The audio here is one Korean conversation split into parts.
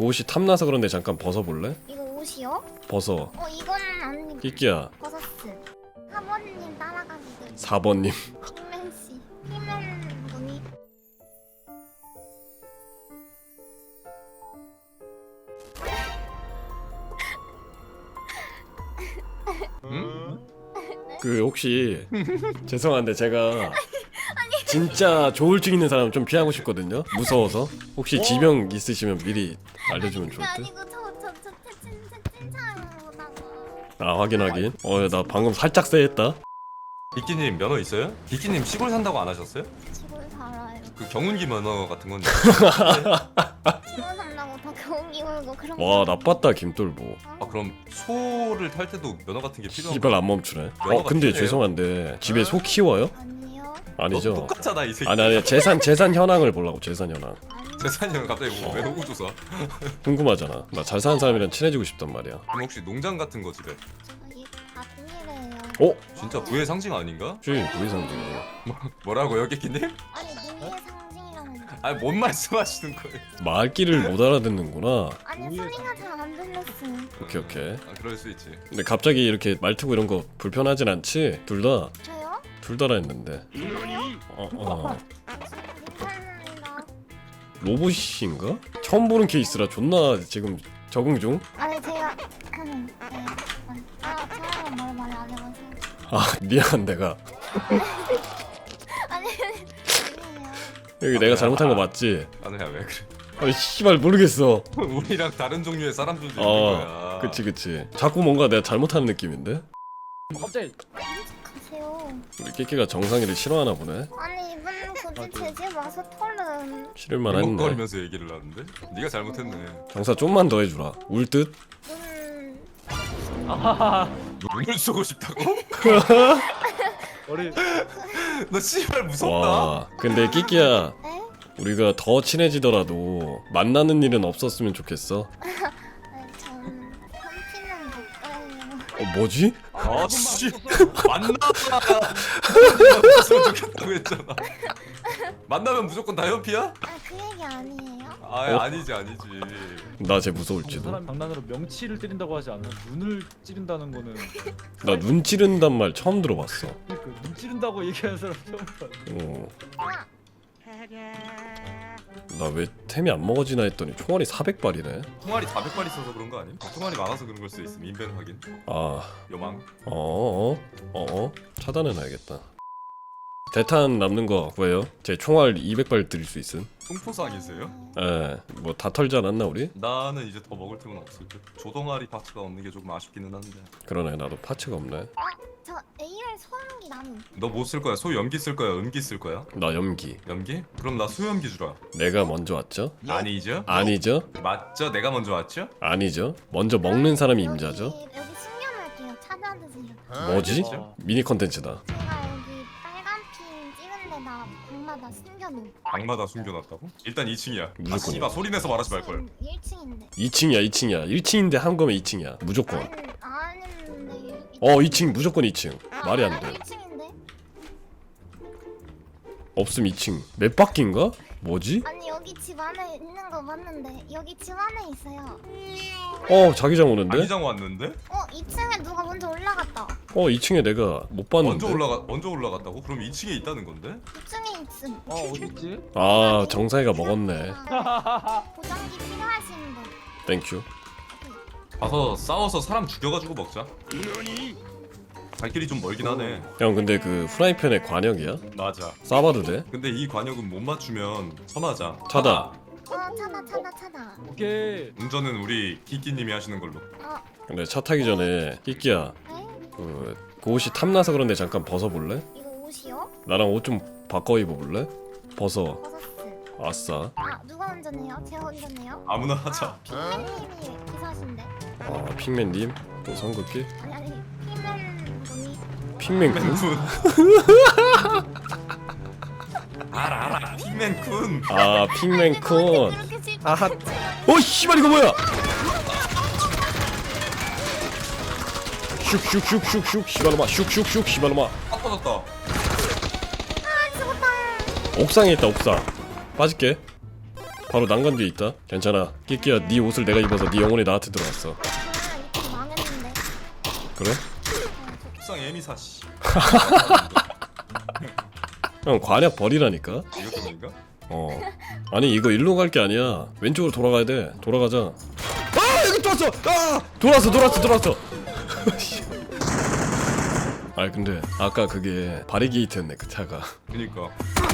그 옷이 탐나서 그런데 잠깐 벗어볼래? 이거 옷이요? 벗어. 이거는 아니. 끼끼야. 벗었음. 사모님 따라가시죠. 4번님. 핑맨 씨. 핑맨 분이. 그 혹시 죄송한데 제가 진짜 조울증 있는 사람 좀 피하고 싶거든요. 무서워서. 혹시 지병 있으시면 미리 알려주면 좋을 듯. 아니고 저 채팅창으로다가. 아 확인. 나 방금 살짝 쎄했다. 비키님 면허 있어요? 비키님 시골 산다고 안 하셨어요? 시골 살아요. 그 경운기 면허 같은 건데. 시골 산다고 다 경기 울고 그런 거. 와 나빴다 김돌보. 아 그럼 소를 탈 때도 면허 같은 게 필요한 씨발 안 멈추네. 면허가 근데 필요해요? 죄송한데 집에 소 키워요? 아니요. 아니죠. 똑같잖아 이 새끼. 아니 재산 현황을 보려고 재산 현황. 아니요. 재산이랑 갑자기 뭐 외노구 조사. 궁금하잖아. 나 잘 사는 사람이랑 친해지고 싶단 말이야. 그럼 혹시 농장 같은 거 집에? 저희 다 동일해요. 어? 진짜 부의 상징 아닌가? 주인 부의상징이에요. 뭐라고요, 끼끼님? 아니 능의 상징이라는. 아니 뭔 말씀하시는 거예요? 말귀를 못 알아듣는구나. 아니 소리가 잘 안 들렸어요. 오케이. 아 그럴 수 있지. 근데 갑자기 이렇게 말 트고 이런 거 불편하진 않지? 저요? 둘 다라 했는데. 못합니다. 로봇인가? 처음 보는 케이스라 존나 지금 적응 중? 아니 제가 네. 처음에 말 안 해봐서. 아 미안 내가. 아니 아니에요. 여기 내가 잘못한 거 맞지? 아니야 왜 그래? 아니 씨발 모르겠어. 우리랑 다른 종류의 사람들도 있는 거야. 그치. 자꾸 뭔가 내가 잘못하는 느낌인데? 갑자기 가세요. 우리 깨끼가 정상이를 싫어하나 보네. 아니 이분 굳이 제 집 와서 털은. 싫을만 했네. 거리면서 얘기를 하는데? 네가 잘못했네. 장사 좀만 더 해주라. 울 듯? 아하하 눈을 쏘고 싶다고? 머리 너 씨발 무섭다. 와 근데 끼끼야 네? 우리가 더 친해지더라도 만나는 일은 없었으면 좋겠어. 아니 저는 삼키는 못 가요. 뭐지? 아씨 만나면 좋겠다고 했잖아. 만나면 무조건 다 현피야? 아 그 얘기 아니에요? 아니지. 나 쟤 무서울지도. 사람 장난으로 명치를 때린다고 하지 않아. 눈을 찌른다는 거는 나 눈 찌른단 말 처음 들어봤어. 눈 찌른다고 얘기하는 사람 처음 봤어. 아, 나 왜 템이 안 먹어지나 했더니 총알이 400발이네. 총알이 400발 있어서 그런 거 아님? 총알이 많아서 그런 걸 수도 있음. 인벤 확인. 아, 요망. 차단해놔야겠다. 대탄 남는 거 구해요. 제 총알 200발 드릴 수 있음. 통포상이세요? 뭐 다 털지 않았나 우리? 나는 이제 더 먹을 틈은 없을 듯. 조동아리 파츠가 없는 게 조금 아쉽기는 한데. 그러네 나도 파츠가 없네. 저 AR 소음기 나는. 너 뭐 쓸 거야? 소 염기 쓸 거야? 음기 쓸 거야? 나 염기. 염기? 그럼 나 소염기 주라. 내가 먼저 왔죠? 아니죠? 아니죠? 맞죠? 내가 먼저 왔죠? 아니죠? 먼저 먹는 사람이 임자죠? 여기 숨겨놓을게요. 찾아드세요. 뭐지? 와. 미니 컨텐츠다. 제가 여기 빨간 핀 찍은 데다 방마다 숨겨놓은. 방마다 숨겨놨다고? 일단 2층이야. 무조건이야. 아 씨발 소리 내서 말하지 말걸. 1층인데. 2층이야. 1층인데 한 거면 2층이야. 무조건. 아닌데. 2층 무조건 2층. 말이 안 돼. 1층인데? 없음 2층. 몇 바퀴인가? 뭐지? 아니 여기 집 안에 있는 거 맞는데 여기 집 안에 있어요. 자기장 오는데? 자기장 왔는데? 2층에 누가 먼저 올라갔다. 2층에 내가 못 봤는데. 먼저 올라갔다고? 그럼 2층에 있다는 건데? 2층에 있음. 어딨지? 정상이가 먹었네. 보정기 필요하신 분. 땡큐. 가서 싸워서 사람 죽여가지고 먹자. 갈 길이 좀 멀긴 하네. 형 근데 그 프라이팬에 관역이야? 맞아. 싸봐도 돼? 근데 이 관역은 못 맞추면 선하자. 차다. 차다. 오케이. 운전은 우리 키키님이 하시는 걸로. 근데 차 타기 전에 끼끼야 에? 그 옷이 탐나서 그런데 잠깐 벗어볼래? 이거 옷이요? 나랑 옷 좀 바꿔 입어볼래? 벗어. 벗었음. 아싸. 누가 운전해요? 제가 운전해요? 아무나 하자. 핑맨님이 기사신데. 핑맨님 또 선긋기? 아니 핑맨 분이. 핑맨군? 핑맨쿤. 알아. 핑맨쿤. 핑맨쿤. 그렇게 질. 아하. 씨발 이거 뭐야? 슉슉슉슉슉 시발로마 슉슉슉 시발로마. 딱 터졌다. 죽었다. 옥상에 있다 옥상. 빠질게. 바로 난간 뒤에 있다. 괜찮아. 끼끼야, 네 옷을 내가 입어서 네 영혼이 나한테 들어왔어. 저야 이거 망했는데. 그래? 불쌍 애미사 씨. 형 관약 버리라니까. 이렇게 보니까? 아니 이거 일로 갈 게 아니야. 왼쪽으로 돌아가야 돼. 돌아가자. 아 여기 또 왔어. 아 돌았어. 아 근데 아까 그게 바리게이트였네 그 차가. 그니까.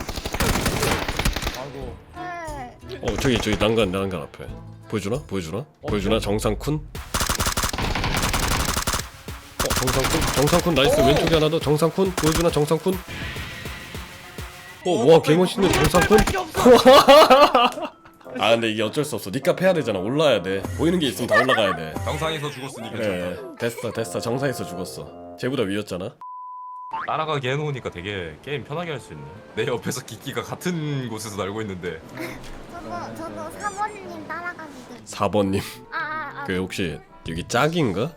아이고. 네. 저기 난간 앞에 보여주나 정상쿤. 정상쿤 나이스. 왼쪽에 하나 더. 정상쿤 보여주나 정상쿤. 와 개멋있는 정상쿤. 아 근데 이게 어쩔 수 없어. 니값 해야 되잖아. 올라야 돼. 보이는 게 있으면 다 올라가야 돼. 정상에서 죽었으니 그래 괜찮다. 됐어 정상에서 죽었어. 쟤보다 위였잖아. 따라가게 해놓으니까 되게 게임 편하게 할 수 있네. 내 옆에서 기끼가 같은 곳에서 날고 있는데. 저도 사모님 따라가기들. 4번님 그 혹시 여기 짝인가?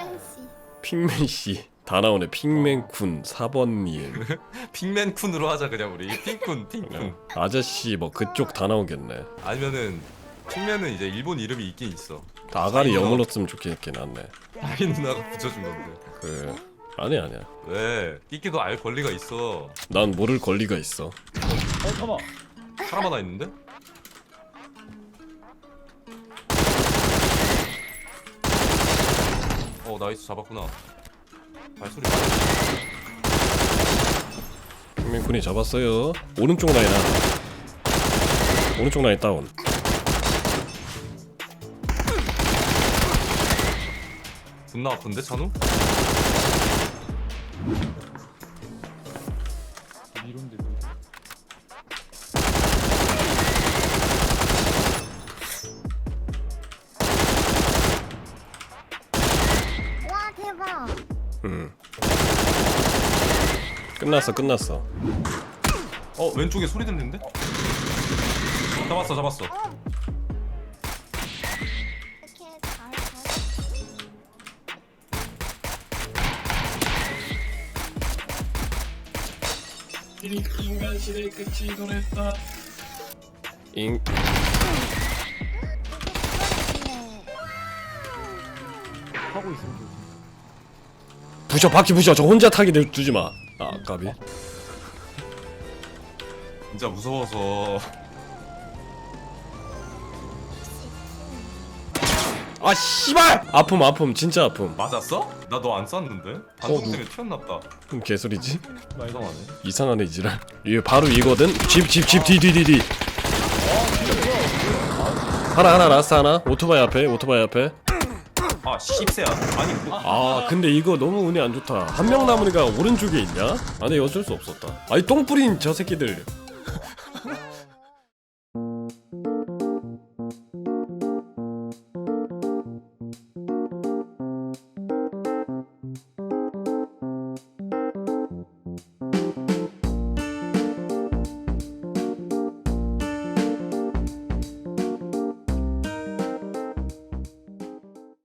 핑맨씨 다 나오네. 핑맨쿤 4번님 핑맨쿤으로 하자 그냥 우리. 핑쿤. 아저씨 뭐 그쪽 다 나오겠네. 아니면은 핑맨은 이제 일본 이름이 있긴 있어. 아가리 영어로 쓰면 좋겠긴 한데. 아이 누나가 붙여준 건데. 아니야 왜? 끼끼도 알 권리가 있어. 난 모를 권리가 있어. 잠깐만. 사람 하나 있는데? 나이스 잡았구나. 발소리. 핑맨쿤이 잡았어요. 오른쪽 라인 하나. 오른쪽 라인 다운. 존나 아픈데 찬우? 이런데. 와 대박. 끝났어. 왼쪽에 소리 들리는데? 잡았어. 이렇게 잘. 인간실의 끝이 도랬다. 잉. 하고 있으면 좋지. 바퀴 부셔. 저 혼자 타게 두지 마. 아 까비. 진짜 무서워서. 아 씨발. 아픔 진짜 아픔. 맞았어? 나 너 안 쐈는데? 반동 때문에 튀었나보다. 그럼 개소리지? 이상하네. 이상하네 이지랄. 이게 바로 이거든. 집 뒤. 하나 라스트 하나. 오토바이 앞에. 아 씹새야. 아니 그거. 아 근데 이거 너무 운이 안 좋다. 한 명 남은 애가 오른쪽에 있냐? 아니 어쩔 수 없었다. 아니 똥 뿌린 저 새끼들